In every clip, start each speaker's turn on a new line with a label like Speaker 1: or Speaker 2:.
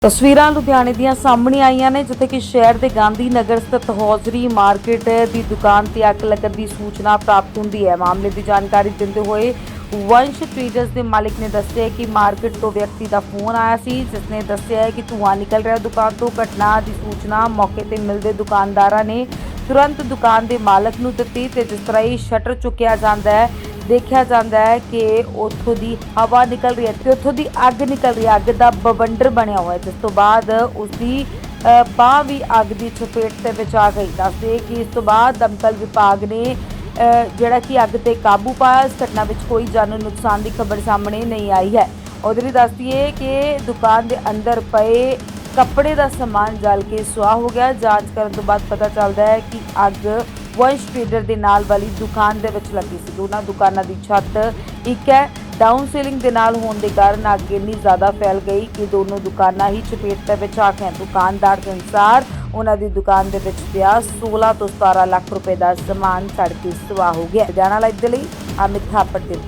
Speaker 1: ਤਸਵੀਰਾਂ ਲੁਧਿਆਣੇ ਦੀਆਂ ਸਾਹਮਣੇ ਆਈਆਂ ਨੇ ਜਿੱਥੇ ਕਿ ਸ਼ਹਿਰ ਦੇ ਗਾਂਧੀ ਨਗਰ ਸਥਿਤ ਹੌਜ਼ਰੀ ਮਾਰਕੀਟ ਦੀ ਦੁਕਾਨ ਤੇ ਅੱਗ ਲੱਗਣ ਦੀ ਸੂਚਨਾ ਪ੍ਰਾਪਤ ਹੁੰਦੀ ਹੈ। ਮਾਮਲੇ ਦੀ ਜਾਣਕਾਰੀ ਦਿੰਦੇ ਹੋਏ ਵੰਸ਼ ਟ੍ਰੇਡਰਸ ਦੇ ਮਾਲਕ ਨੇ ਦੱਸਿਆ ਕਿ ਮਾਰਕੀਟ ਤੋਂ ਵਿਅਕਤੀ ਦਾ ਫੋਨ ਆਇਆ ਸੀ ਜਿਸ ਨੇ ਦੱਸਿਆ ਕਿ ਧੂੰਆਂ ਨਿਕਲ ਰਿਹਾ ਦੁਕਾਨ ਤੋਂ। ਘਟਨਾ ਦੀ ਸੂਚਨਾ ਮੌਕੇ ਤੇ ਮਿਲਦੇ ਦੁਕਾਨਦਾਰਾਂ ਨੇ ਤੁਰੰਤ ਦੁਕਾਨ ਦੇ ਮਾਲਕ ਨੂੰ ਦਿੱਤੀ ਤੇ ਜਿਸ ਤਰ੍ਹਾਂ ਹੀ ਸ਼ਟਰ ਚੁੱਕਿਆ ਜਾਂਦਾ ਹੈ देखा जाता है कि उत्थों की हवा निकल रही है तो उत्थों की अग निकल रही है। अग का बवंडर बनया हुआ है जिस तो बाद उसकी बांह भी अग की चपेट के विच आ गई। दसदे कि इस तो बाद दमकल विभाग ने जिहड़ा कि अग ते काबू पाया। इस घटना में कोई जानी नुकसान की खबर सामने नहीं आई है। उधर ही दस दिए कि दुकान के अंदर पे कपड़े का समान जल के सुआह हो गया। जांच करने तो बाद पता चलता है कि अग वंश ट्रेडर के नाल वाली दुकान दे विच लगी सी। दोनों दुकानों की छत एक है डाउन सीलिंग के नाल होने के कारण अग इन्नी ज़्यादा फैल गई कि दोनों दुकाना ही चपेट के विच आ गई। दुकानदार के अनुसार उन्होंने दुकान के विच पिया 16 तो 17 लाख रुपए का समान सड़ के सुआह हो गया। जाना लाइव के लिए अमित थापड़ की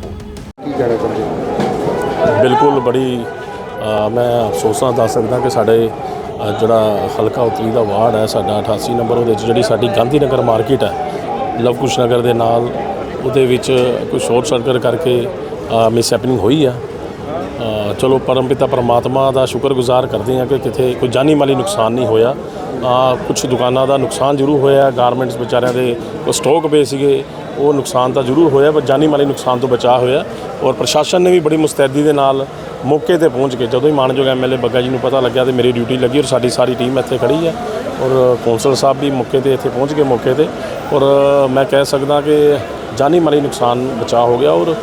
Speaker 1: रिपोर्ट।
Speaker 2: बिल्कुल बड़ी मैं अफसोस दस सकदा कि साढ़े ਜਿਹੜਾ ਹਲਕਾ ਉਤਲੀ ਦਾ ਵਾਰਡ ਹੈ ਸਾਡਾ 88 ਨੰਬਰ ਉਹਦੇ 'ਚ ਜਿਹੜੀ ਸਾਡੀ ਗਾਂਧੀ ਨਗਰ ਮਾਰਕੀਟ ਹੈ ਲਵ ਕੁਸ਼ ਨਗਰ ਦੇ ਨਾਲ ਉਹਦੇ ਵਿੱਚ ਕੋਈ ਸ਼ੋਰਟ ਸਰਕਟ ਕਰਕੇ ਮਿਸ ਹੈਪਨਿੰਗ ਹੋਈ ਆ। ਚਲੋ ਪਰਮਪਿਤਾ ਪਰਮਾਤਮਾ ਦਾ ਸ਼ੁਕਰਗੁਜ਼ਾਰ ਕਰਦੇ ਹਾਂ ਕਿ ਕਿਤੇ ਕੋਈ ਜਾਨੀ ਮਾਲੀ ਨੁਕਸਾਨ ਨਹੀਂ ਹੋਇਆ। ਕੁਝ ਦੁਕਾਨਾਂ ਦਾ ਨੁਕਸਾਨ ਜ਼ਰੂਰ ਹੋਇਆ। ਗਾਰਮੈਂਟਸ ਵਿਚਾਰਿਆਂ ਦੇ ਕੋਈ ਸਟਾਕ ਪਏ ਸੀਗੇ ਉਹ ਨੁਕਸਾਨ ਤਾਂ ਜ਼ਰੂਰ ਹੋਇਆ ਪਰ ਜਾਨੀ ਮਾਲੀ ਨੁਕਸਾਨ ਤੋਂ ਬਚਾਅ ਹੋਇਆ। ਔਰ ਪ੍ਰਸ਼ਾਸਨ ਨੇ ਵੀ ਬੜੀ ਮੁਸਤੈਦੀ ਦੇ ਨਾਲ ਮੌਕੇ ਤੇ ਪਹੁੰਚ ਕੇ ਜਦੋਂ ਹੀ ਮਾਨਯੋਗ ਐਮਐਲਏ ਬੱਗਾ ਜੀ ਨੂੰ ਪਤਾ ਲੱਗਿਆ ਤੇ ਮੇਰੀ ਡਿਊਟੀ ਲੱਗੀ ਔਰ ਸਾਡੀ ਸਾਰੀ ਟੀਮ ਇੱਥੇ ਖੜੀ ਹੈ ਔਰ ਕੌਂਸਲ ਸਾਹਿਬ ਵੀ ਮੌਕੇ ਤੇ ਇੱਥੇ ਪਹੁੰਚ ਗਏ ਮੌਕੇ ਤੇ। ਔਰ ਮੈਂ ਕਹਿ ਸਕਦਾ ਕਿ ਜਾਨੀ ਮਾਲੀ ਨੁਕਸਾਨ ਬਚਾਅ ਹੋ ਗਿਆ। ਔਰ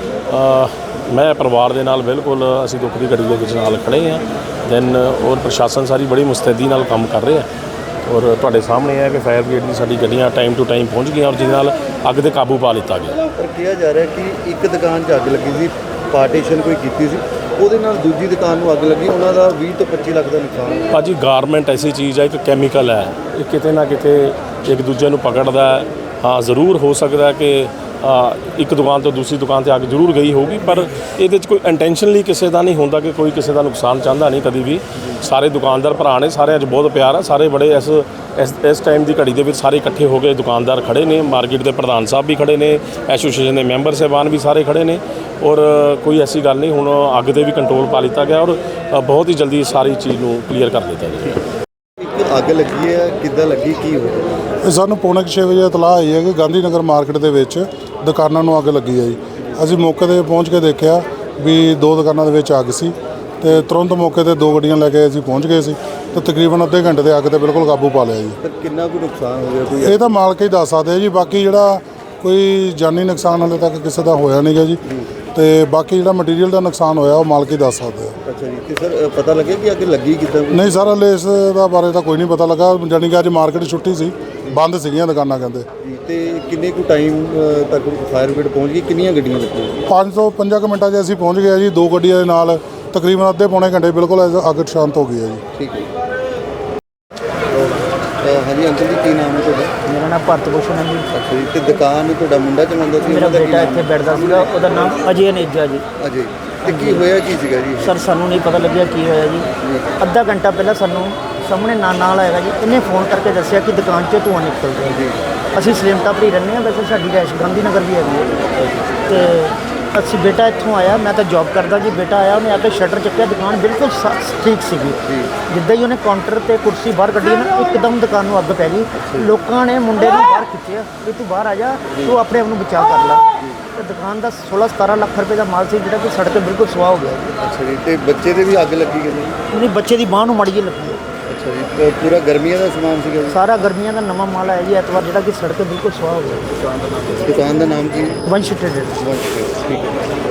Speaker 2: ਮੈਂ ਪਰਿਵਾਰ ਦੇ ਨਾਲ ਬਿਲਕੁਲ ਅਸੀਂ ਦੁੱਖ ਦੀ ਘੜੀ ਦੇ ਵਿੱਚ ਨਾਲ ਖੜੇ ਹਾਂ ਦੈਨ ਔਰ ਪ੍ਰਸ਼ਾਸਨ ਸਾਰੀ ਬੜੀ ਮੁਸਤੈਦੀ ਨਾਲ ਕੰਮ ਕਰ ਰਿਹਾ ਔਰ ਤੁਹਾਡੇ ਸਾਹਮਣੇ ਹੈ ਕਿ ਫਾਇਰ ਬ੍ਰਿਗੇਡ ਦੀ ਸਾਡੀ ਗੱਡੀਆਂ ਟਾਈਮ ਟੂ ਟਾਈਮ ਪਹੁੰਚ ਗਈਆਂ ਔਰ ਜਿਹਦੇ ਨਾਲ ਅੱਗ ਤੇ ਕਾਬੂ ਪਾ ਲਿੱਤਾ ਗਿਆ।
Speaker 3: ਪਰ ਕਿਹਾ ਜਾ ਰਿਹਾ ਕਿ ਇੱਕ ਦੁਕਾਨ 'ਚ ਅੱਗ ਲੱਗੀ ਸੀ, ਪਾਰਟੀਸ਼ਨ ਕੋਈ ਕੀਤੀ ਸੀ, ਉਹਦੇ ਨਾਲ ਦੂਜੀ ਦੁਕਾਨ ਨੂੰ ਅੱਗ ਲੱਗੀ, ਉਹਨਾਂ ਦਾ 20 ਤੋਂ 25 ਲੱਖ ਦਾ ਨੁਕਸਾਨ।
Speaker 2: ਭਾਜੀ ਗਾਰਮੈਂਟ ਐਸੀ ਚੀਜ਼ ਹੈ ਇੱਕ ਕੈਮੀਕਲ ਹੈ, ਇਹ ਕਿਤੇ ਨਾ ਕਿਤੇ ਇੱਕ ਦੂਜੇ ਨੂੰ ਪਕੜਦਾ ਹੈ। ਹਾਂ ਜ਼ਰੂਰ ਹੋ ਸਕਦਾ ਕਿ ਇੱਕ ਦੁਕਾਨ ਤੋਂ ਦੂਸਰੀ ਦੁਕਾਨ ਤੇ ਅੱਗ ਜ਼ਰੂਰ ਗਈ ਹੋਊਗੀ ਪਰ ਇਹਦੇ 'ਚ ਕੋਈ ਇੰਟੈਂਸ਼ਨਲੀ ਕਿਸੇ ਦਾ ਨਹੀਂ ਹੁੰਦਾ ਕਿ ਕੋਈ ਕਿਸੇ ਦਾ ਨੁਕਸਾਨ ਚਾਹੁੰਦਾ ਨਹੀਂ ਕਦੀ ਵੀ। ਸਾਰੇ ਦੁਕਾਨਦਾਰ ਭਰਾ ਨੇ, ਸਾਰਿਆਂ 'ਚ ਬਹੁਤ ਪਿਆਰ ਹੈ। ਸਾਰੇ ਬੜੇ ਇਸ ਟਾਈਮ ਦੀ ਘੜੀ ਦੇ ਵਿੱਚ ਸਾਰੇ ਇਕੱਠੇ ਹੋ ਕੇ ਦੁਕਾਨਦਾਰ ਖੜੇ ਨੇ। ਮਾਰਕੀਟ ਦੇ ਪ੍ਰਧਾਨ ਸਾਹਿਬ ਵੀ ਖੜੇ ਨੇ, ਐਸੋਸੀਏਸ਼ਨ ਦੇ ਮੈਂਬਰ ਸਾਹਿਬਾਨ ਵੀ ਸਾਰੇ ਖੜੇ ਨੇ ਔਰ ਕੋਈ ਐਸੀ ਗੱਲ ਨਹੀਂ। ਹੁਣ ਅੱਗ 'ਤੇ ਵੀ ਕੰਟਰੋਲ ਪਾ ਲਿੱਤਾ ਗਿਆ ਔਰ ਬਹੁਤ ਹੀ ਜਲਦੀ ਸਾਰੀ ਚੀਜ਼ ਨੂੰ ਕਲੀਅਰ ਕਰ ਦਿੱਤਾ ਜਾਏਗਾ।
Speaker 3: ਇੱਕ ਅੱਗ ਲੱਗੀ ਹੈ, ਕਿੱਦਾਂ ਲੱਗੀ, ਕੀ ਹੋਇਆ?
Speaker 4: ਇਹ ਸਾਨੂੰ ਪੌਣੇ 6 ਵਜੇ ਇਤਲਾਹ ਆਈ ਹੈ ਕਿ ਗਾਂਧੀ ਨਗਰ ਮਾਰਕੀਟ ਦੇ ਵਿੱਚ ਦੁਕਾਨਾਂ ਨੂੰ ਅੱਗ ਲੱਗੀ ਹੈ ਜੀ। ਅਸੀਂ ਮੌਕੇ 'ਤੇ ਪਹੁੰਚ ਕੇ ਦੇਖਿਆ ਵੀ 2 ਦੁਕਾਨਾਂ ਦੇ ਵਿੱਚ ਅੱਗ ਸੀ ਤੇ ਤੁਰੰਤ ਮੌਕੇ 'ਤੇ 2 ਗੱਡੀਆਂ ਲੈ ਕੇ ਅਸੀਂ ਪਹੁੰਚ ਗਏ ਸੀ ਤੇ ਤਕਰੀਬਨ ਅੱਧੇ ਘੰਟੇ ਦੇ ਅੱਗ 'ਤੇ ਬਿਲਕੁਲ ਕਾਬੂ ਪਾ ਲਿਆ ਜੀ।
Speaker 3: ਪਰ ਕਿੰਨਾ ਕੁ ਨੁਕਸਾਨ ਹੋ ਗਿਆ ਕੋਈ?
Speaker 4: ਇਹ ਤਾਂ ਮਾਲਕ ਹੀ ਦੱਸ ਸਕਦੇ ਜੀ। ਬਾਕੀ ਜਿਹੜਾ ਕੋਈ ਜਾਨੀ ਨੁਕਸਾਨ ਹਾਲੇ ਤੱਕ ਕਿਸੇ ਦਾ ਹੋਇਆ ਨਹੀਂ ਗਾ ਜੀ ਤੇ ਬਾਕੀ ਜਿਹੜਾ ਮਟੀਰੀਅਲ ਦਾ ਨੁਕਸਾਨ ਹੋਇਆ ਉਹ ਮਾਲਕ ਹੀ ਦੱਸ ਸਕਦੇ ਆ।
Speaker 3: ਅੱਛਾ ਜੀ। ਤੇ ਸਰ ਪਤਾ ਲੱਗਿਆ ਕਿ ਅੱਗ ਲੱਗੀ ਕਿੱਦਾਂ?
Speaker 4: ਨਹੀਂ ਸਰ ਹਾਲੇ ਇਸ ਦਾ ਬਾਰੇ ਤਾਂ ਕੋਈ ਨਹੀਂ ਪਤਾ ਲੱਗਾ। ਜਾਨੀ ਕਿ ਅੱਜ ਮਾਰਕੀਟ ਛੁੱਟੀ ਸੀ, ਬੰਦ ਸੀਗੀਆਂ ਦੁਕਾਨਾਂ ਕਹਿੰਦੇ
Speaker 3: ਜੀ। ਤੇ ਕਿੰਨੇ ਕੁ ਟਾਈਮ ਤੱਕ ਫਾਇਰ ਬ੍ਰਿਗੇਡ ਪਹੁੰਚ ਗਈ? ਕਿੰਨੀਆਂ ਗੱਡੀਆਂ ਲੱਗੀਆਂ?
Speaker 4: 5 ਤੋਂ 5 ਮਿੰਟਾਂ 'ਚ ਅਸੀਂ ਪਹੁੰਚ ਗਏ ਜੀ। 2 ਗੱਡੀਆਂ ਦੇ ਨਾਲ ਤਕਰੀਬਨ ਅੱਧੇ ਪੌਣੇ ਘੰਟੇ ਬਿਲਕੁਲ ਅੱਗ ਸ਼ਾਂਤ ਹੋ ਗਈ ਹੈ ਜੀ।
Speaker 3: ਠੀਕ ਹੈ। ਹਾਂਜੀ ਅੰਕਲ ਜੀ, ਕੀ ਨਾਮ ਹੈ ਤੁਹਾਡਾ?
Speaker 5: ਮੇਰਾ ਨਾਮ ਭਾਰਤ ਭੂਸ਼ਣ ਹੈ ਜੀ।
Speaker 3: ਅੱਛਾ ਜੀ। ਤੇ ਦੁਕਾਨ ਤੁਹਾਡਾ ਮੁੰਡਾ ਚਲਾਉਂਦਾ ਸੀ?
Speaker 5: ਮੇਰਾ ਬੇਟਾ ਇੱਥੇ ਬੈਠਦਾ ਸੀਗਾ, ਉਹਦਾ ਨਾਮ ਅਜੇ ਨੇਜਾ ਜੀ।
Speaker 3: ਅਜੇ। ਤੇ ਕੀ ਹੋਇਆ ਕੀ ਸੀਗਾ ਜੀ?
Speaker 5: ਸਰ ਸਾਨੂੰ ਨਹੀਂ ਪਤਾ ਲੱਗਿਆ ਕੀ ਹੋਇਆ ਜੀ। ਅੱਧਾ ਘੰਟਾ ਪਹਿਲਾਂ ਸਾਨੂੰ ਸਾਹਮਣੇ ਨਾਲ ਆਏਗਾ ਜੀ, ਇਹਨੇ ਫੋਨ ਕਰਕੇ ਦੱਸਿਆ ਕਿ ਦੁਕਾਨ 'ਚ ਧੂੰਆਂ ਨਿਕਲ ਰਿਹਾ ਜੀ। ਅਸੀਂ ਸਲੇਮਟਾ ਭਰੀ ਰਹਿੰਦੇ ਹਾਂ, ਵੈਸੇ ਸਾਡੀ ਰੈਸ਼ ਗਾਂਧੀ ਨਗਰ ਵੀ ਹੈਗੀ ਹੈ ਤੇ ਅਸੀਂ ਬੇਟਾ ਇੱਥੋਂ ਆਇਆ, ਮੈਂ ਤਾਂ ਜੌਬ ਕਰਦਾ ਜੀ। ਬੇਟਾ ਆਇਆ, ਉਹਨੇ ਆ ਕੇ ਸ਼ਟਰ ਚੱਕਿਆ, ਦੁਕਾਨ ਬਿਲਕੁਲ ਠੀਕ ਸੀਗੀ। ਜਿੱਦਾਂ ਹੀ ਉਹਨੇ ਕਾਊਂਟਰ ਤੇ ਕੁਰਸੀ ਬਾਹਰ ਕੱਢੀ ਨਾ ਇੱਕਦਮ ਦੁਕਾਨ ਨੂੰ ਅੱਗ ਪੈ ਗਈ। ਲੋਕਾਂ ਨੇ ਮੁੰਡੇ ਨੂੰ ਬਾਹਰ ਖਿੱਚਿਆ ਵੀ ਤੂੰ ਬਾਹਰ ਆ ਜਾ, ਤੂੰ ਆਪਣੇ ਆਪ ਨੂੰ ਬਚਾਅ ਕਰ ਲੈ। ਤੇ ਦੁਕਾਨ ਦਾ 16-17 ਲੱਖ ਰੁਪਏ ਦਾ ਮਾਲ ਸੀ ਜਿਹੜਾ ਕਿ ਸੜਕ ਤੇ ਬਿਲਕੁਲ ਸੁਆਹ ਹੋ ਗਿਆ ਜੀ।
Speaker 3: ਅੱਛਾ ਜੀ। ਤੇ ਬੱਚੇ ਦੇ ਵੀ ਅੱਗ ਲੱਗੀ ਕਿਤੇ?
Speaker 5: ਉਹਨੇ ਬੱਚੇ ਦੀ ਬਾਂਹ ਨੂੰ ਮਾੜੀ ਜਿਹੀ ਲੱਗੀ।
Speaker 3: ਅੱਛਾ ਜੀ। ਤੇ ਪੂਰਾ ਗਰਮੀਆਂ ਦਾ ਸਮਾਨ ਸੀਗਾ ਜੀ?
Speaker 5: ਸਾਰਾ ਗਰਮੀਆਂ ਦਾ ਨਵਾਂ ਮਾਲ ਆਇਆ ਜੀ ਐਤਵਾਰ, ਜਿਹੜਾ ਕਿ ਸੜਕ ਤੇ ਬਿਲਕੁਲ ਸੁਆਹ ਹੋ ਗਿਆ।
Speaker 3: ਦੁਕਾਨ ਦਾ ਨਾਮ ਕੀ?
Speaker 5: ਵੰਸ਼ ਟ੍ਰੇਡਰਸ।
Speaker 3: ਠੀਕ ਹੈ।